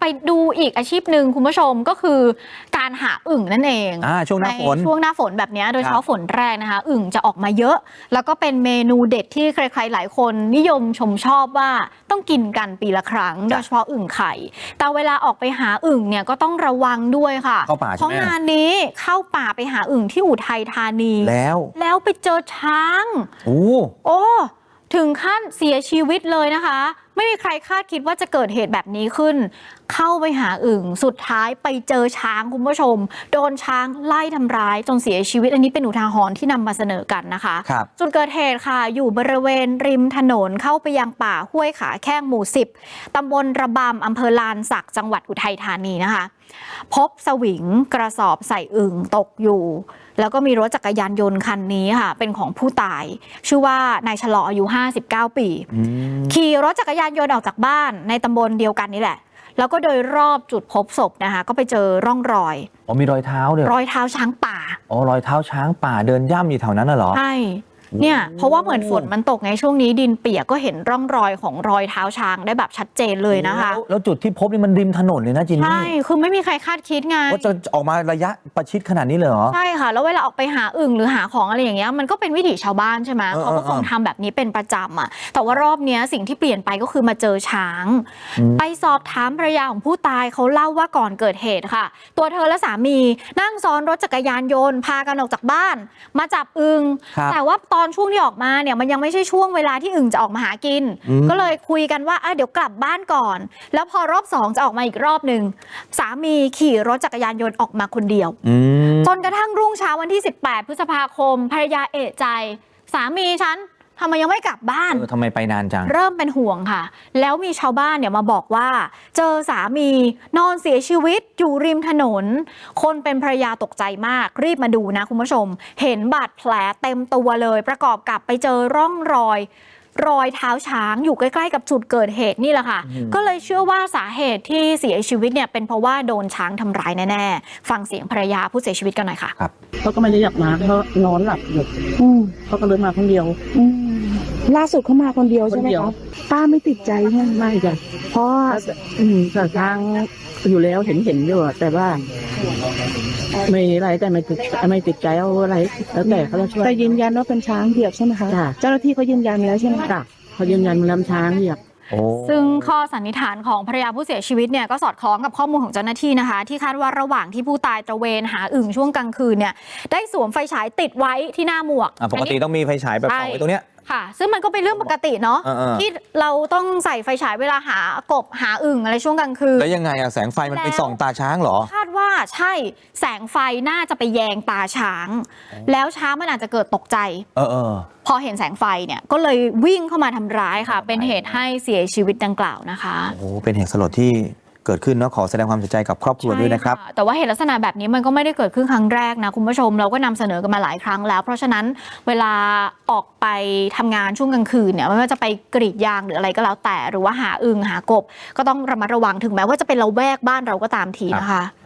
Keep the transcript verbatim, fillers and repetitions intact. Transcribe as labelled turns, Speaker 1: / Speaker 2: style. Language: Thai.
Speaker 1: ดูอีกอาชีพหนึ่งคุณผู้ชมก็คือการหาอึ่งนั่นเอง
Speaker 2: อ่าช่วงหน้าฝน
Speaker 1: ช่วงหน้าฝนแบบนี้โดยเฉพาะฝนแรกนะคะอึ่งจะออกมาเยอะแล้วก็เป็นเมนูเด็ดที่ใครๆหลายคนนิยมชมชอบว่าต้องกินกันปีละครั้งโดยเฉพาะอึ่งไข่แต่เวลาออกไปหาอึ่งเนี่ยก็ต้องระวังด้วยค่ะเพราะงานนี้เข้าป่าไปหาอึ่งที่อุทัยธานี
Speaker 2: แล้ว
Speaker 1: แล้วไปเจอช้าง
Speaker 2: โอ้
Speaker 1: โอ้ถึงขั้นเสียชีวิตเลยนะคะไม่มีใครคาดคิดว่าจะเกิดเหตุแบบนี้ขึ้นเข้าไปหาอึ่งสุดท้ายไปเจอช้างคุณผู้ชมโดนช้างไล่ทำร้ายจนเสียชีวิตอันนี้เป็นอุทาหรณ์ที่นำมาเสนอกันนะคะจุดเกิดเหตุค่ะอยู่บริเวณริมถนนเข้าไปยังป่าห้วยขาแข้งหมู่สิบตำบลระบำอำเภอลานสักจังหวัดอุทัยธานีนะคะพบสวิงกระสอบใส่อึ่งตกอยู่แล้วก็มีรถจักรยานยนต์คันนี้ค่ะเป็นของผู้ตายชื่อว่านายฉลออายุห้าสิบเก้าปีขี่รถจักรยานยนต์ออกจากบ้านในตำบลเดียวกันนี่แหละแล้วก็โดยรอบจุดพบศพนะคะก็ไปเจอร่องรอย
Speaker 2: อ๋อมีรอยเท้าเลย
Speaker 1: รอยเท้าช้างป่า
Speaker 2: อ๋อรอยเท้าช้างป่าเดินย่ำอยู่แถวนั้นน่ะเหรอ
Speaker 1: ใช่เนี่ยเพราะว่าเหมือนฝนมันตกไงช่วงนี้ดินเปียกก็เห็นร่องรอยของรอยเท้าช้างได้แบบชัดเจนเลยนะคะ
Speaker 2: แล้วจุดที่พบนี่มันริมถนนเลยนะจินนี่
Speaker 1: ใช่คือไม่มีใครคาดคิดไง
Speaker 2: ว่าจะออกมาระยะประชิดขนาดนี้เลยเหรอ
Speaker 1: ใช่ค่ะแล้วเวลาออกไปหาอึ่งหรือหาของอะไรอย่างเงี้ยมันก็เป็นวิถีชาวบ้านใช่ไหมเขาก็คงทำแบบนี้เป็นประจำอ่ะแต่ว่ารอบนี้สิ่งที่เปลี่ยนไปก็คือมาเจอช้างไปสอบถามภรรยาของผู้ตายเขาเล่าว่าก่อนเกิดเหตุค่ะตัวเธอและสามีนั่งซ้อนรถจักรยานยนต์พากันออกจากบ้านมาจับอึ่งแต่ว่าตอนช่วงที่ออกมาเนี่ยมันยังไม่ใช่ช่วงเวลาที่อึ่งจะออกมาหากินก็เลยคุยกันว่าเดี๋ยวกลับบ้านก่อนแล้วพอรอบสองจะออกมาอีกรอบหนึ่งสามีขี่รถจักรยานยนต์ออกมาคนเดียวจนกระทั่งรุ่งเช้าวันที่สิบแปดพฤษภาคมภรรยาเอะใจสามีฉันทำไมยังไม่กลับบ้าน
Speaker 2: เออทำไมไปนานจัง
Speaker 1: เริ่มเป็นห่วงค่ะแล้วมีชาวบ้านเนี่ยมาบอกว่าเจอสามีนอนเสียชีวิตอยู่ริมถนนคนเป็นภรรยาตกใจมากรีบมาดูนะคุณผู้ชมเห็นบาดแผลเต็มตัวเลยประกอบกับไปเจอร่องรอยรอยเท้าช้างอยู่ใกล้ๆกับจุดเกิดเหตุนี่แหละค่ะก็เลยเชื่อว่าสาเหตุที่เสียชีวิตเนี่ยเป็นเพราะว่าโดนช้างทำร้ายแน่ๆฟังเสียงภรรยาผู้เสียชีวิตกันหน่อยค่ะ
Speaker 2: ครับ
Speaker 3: เขาก็ไม่ได้อยากมาเขานอนหลับอยู่เขาก็เลยมาคนเดียว
Speaker 4: ล่าสุดเขามาคนเดียวใช่ไหมครับป้าไม่ติดใจใช่ไหม
Speaker 3: ไม่จ้ะ
Speaker 4: เพราะ
Speaker 3: อืมแต่ทางอยู่แล้วเห็นเห็นอยู่แต่ว่าไม่อะไรแต่ไม่ติดไม่ติดใจเอาอะไรแล้วแต่เขาจะช่วย
Speaker 4: แต่ยืนยันว่าเป็นช้างเหยียบใช่ไหมคะเจ้าหน้าที่เขายืนยันแล้วใช่ไหม
Speaker 3: คะเขายืนยันมันลำช้างเหยียบ
Speaker 1: ซึ่งข้อสันนิษฐานของภรรยาผู้เสียชีวิตเนี่ยก็สอดคล้องกับข้อมูลของเจ้าหน้าที่นะคะที่คาดว่าระหว่างที่ผู้ตายตระเวนหาอึ่งช่วงกลางคืนเนี่ยได้สวมไฟฉายติดไว้ที่หน้าหมวก
Speaker 2: ปกติต้องมีไฟฉายแบบส่องไว้ตรงเนี้ย
Speaker 1: ค่ะซึ่งมันก็เป็นเรื่องปกติเนาะที่เราต้องใส่ไฟฉายเวลาหากบหาอึ่งอะไรช่วงกลางคืน
Speaker 2: แล้วยังไงอะแสงไฟมันไปส่องตาช้างเหรอ
Speaker 1: คาดว่าใช่แสงไฟน่าจะไปแยงตาช้างแล้วช้างมันอาจจะเกิดตกใจ
Speaker 2: เออเออ
Speaker 1: พอเห็นแสงไฟเนี่ยก็เลยวิ่งเข้ามาทำร้ายค่ะเป็นเหตุให้เสียชีวิตดังกล่าวนะคะ
Speaker 2: โอ้เป็นเหตุสลดที่เกิดขึ้นเนาะขอแสดงความเสียใจกับครอบครัวด้วยนะครับ
Speaker 1: แต่ว่าเหตุลักษณะแบบนี้มันก็ไม่ได้เกิดขึ้นครั้งแรกนะคุณผู้ชมเราก็นำเสนอกันมาหลายครั้งแล้วเพราะฉะนั้นเวลาออกไปทำงานช่วงกลางคืนเนี่ยไม่ว่าจะไปกรีดยางหรืออะไรก็แล้วแต่หรือว่าหาอึ่งหากบก็ต้องระมัดระวังถึงแม้ว่าจะเป็นละแวกบ้านเราก็ตามทีนะคะ